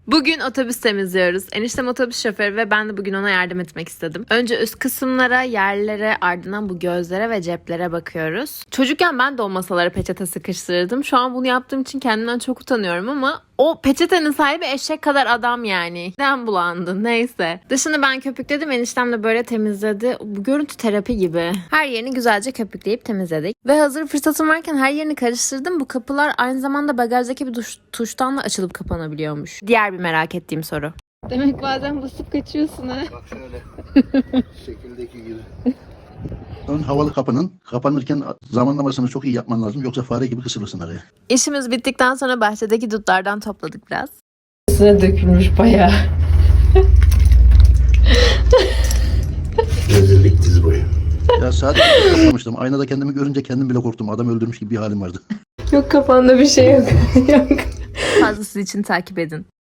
Bugün otobüs temizliyoruz. Eniştem otobüs şoförü ve ben de bugün ona yardım etmek istedim. Önce üst kısımlara, yerlere, ardından bu gözlere ve ceplere bakıyoruz. Çocukken ben de o masalara peçete sıkıştırırdım. Şu an bunu yaptığım için kendimden çok utanıyorum ama o peçetenin sahibi eşek kadar adam yani. Neden bulandı? Neyse. Dışını ben köpükledim. Eniştem de böyle temizledi. Bu görüntü terapi gibi. Her yerini güzelce köpükleyip temizledik. Ve hazır fırsatım varken her yerini karıştırdım. Bu kapılar aynı zamanda bagajdaki bir tuştan da açılıp kapanabiliyormuş. Diğer bir merak ettiğim soru. Demek bazen basıp kaçıyorsun ha. Bak şöyle. Şekildeki gibi. Ön havalı kapının kapanırken zamanlamasını çok iyi yapman lazım. Yoksa fare gibi kısılırsın araya. İşimiz bittikten sonra bahçedeki dutlardan topladık biraz. Üstüne dökülmüş bayağı. Rezillik diz boyu. Ya sadece korkmamıştım. Aynada kendimi görünce kendim bile korktum. Adam öldürmüş gibi bir halim vardı. Yok, kafanda bir şey yok. Yok. Fazlası için takip edin.